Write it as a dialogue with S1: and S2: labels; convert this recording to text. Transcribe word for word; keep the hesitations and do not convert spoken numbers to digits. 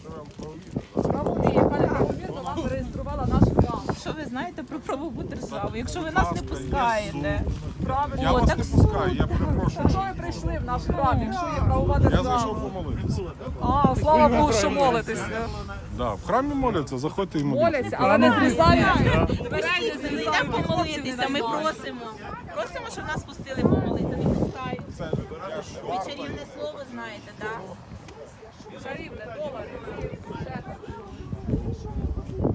S1: Правовірно, правовірно нам зареєструвала наш храм.
S2: Що ви знаєте про правову державу? Якщо ви нас не пускаєте,
S1: Правильно.
S3: Я
S2: О,
S3: вас
S2: так
S3: не пускаю, я перепрошую.
S1: Якщо ви прийшли в наш храм, якщо є правова
S3: Я
S1: держава.
S3: зайшов помолитися.
S1: А, слава Богу, що молитеся.
S3: Да, в храмі моляться, заходьте і моліться.
S1: Моляться, але не зрізають.
S2: зайдемо помолитися, ми просимо. Просимо, щоб нас пустили помолитися, не пускають. Ви чарівне слово знаєте, так?
S1: Чарівне, долар.